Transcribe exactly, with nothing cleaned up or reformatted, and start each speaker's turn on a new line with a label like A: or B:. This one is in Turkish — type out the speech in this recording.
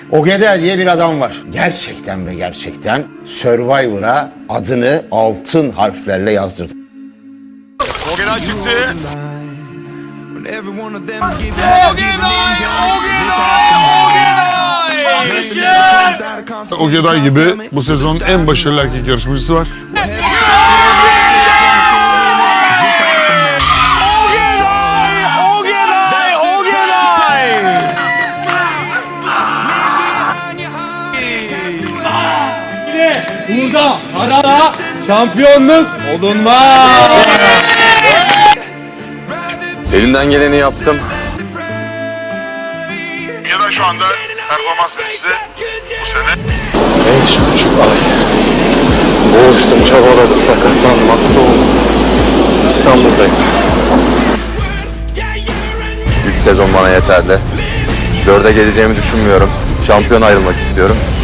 A: Ogeda diye bir adam var. Gerçekten ve gerçekten Survivor'a adını altın harflerle yazdırdı.
B: Ogeda çıktı.
C: Ogeday gibi bu sezonun en başarılı erkek yarışmacısı var.
D: Burada arada şampiyonluk olunmaz.
B: Elimden geleni yaptım.
C: Ya da şu anda performans vericisi bu sene.
B: Beş buçuk ay. Boğuştum, çabaladım, sakatlandım, hasta oldum. İstanbul'dayım. Üç sezon bana yeterli. Dörde geleceğimi düşünmüyorum. Şampiyon ayrılmak istiyorum.